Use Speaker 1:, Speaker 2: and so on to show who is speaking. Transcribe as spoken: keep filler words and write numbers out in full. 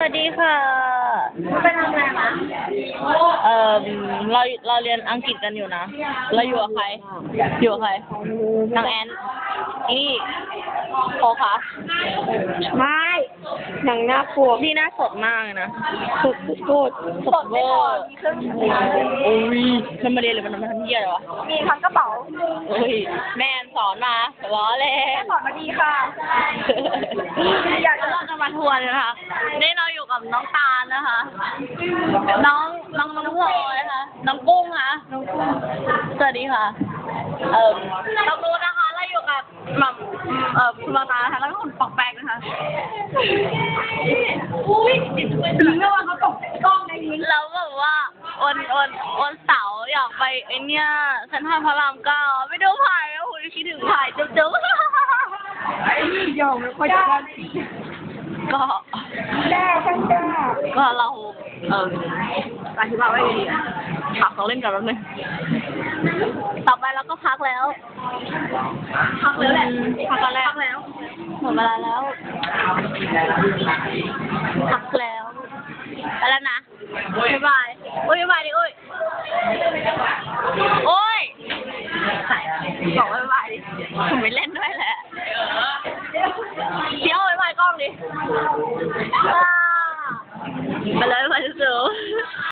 Speaker 1: วัสดีค่ะ
Speaker 2: ไปทำอะไรมา
Speaker 1: เอ่อเราเราเรียนอังกฤษกันอยู่นะ เราอยู่กับใคร อยู่กับใครนางแอนนี่โคคะ
Speaker 2: ไม่หนังหน้าปวก
Speaker 1: นี่หน้าสดมากเลยนะ
Speaker 2: สดโคตร
Speaker 1: สดเวอร์โอ้ยมันมาเรียนหรือมันมาทำเหี้ยอะไรวะ
Speaker 2: มีทั้งกระเป๋า
Speaker 1: เฮ้ยแม่สอนมาล้อเล่น
Speaker 2: สอนมาดีค่ะ
Speaker 1: อยากจะเราจะมาทัวร์นะคะนี่เราอยู่กับน้องตาลนะคะ น้องน้องน้องพลอยนะคะน้องกุ้งค่ะน้องกุ้งสวัสดีค่ะ เอ่อเรารู้นะคะเราอยู่กับหม่อมเอ่อคุณตานะคะแล้วก็คุณปอกแปกนะคะอุ้ยถึงแล้วว่าเขาตกกล้องในนี้แล้วแบบว่าวันวันวันเสาร์อยากไปไอเนี้ยเซ็นทรัลพระรามเก้าไปดูไผ่แล้วคุณคิดถึงไผ่จุ๊บจุ๊บ
Speaker 2: ไอ้นี่ยอมไม่ค่อยจะได้
Speaker 1: ก็
Speaker 2: แด้ช่างแด้
Speaker 1: ก็เราเอออธิบายไว้ดีอ่ะพักเขาเล่นกันแล้วนึงต่อไปเราก็พักแล้วพักแล้วแหละพักแล้วพักแล้วหมดเวลาแล้วพักแล้วไปแล้วนะบ๊ายบายโอ้ยบ๊ายบายดิโอ้ยโอ้ยบอกบ๊ายบายดิผมไม่เล่นด้วยแหละเดี๋ยวบ๊ายบายกล้องดิไปเลย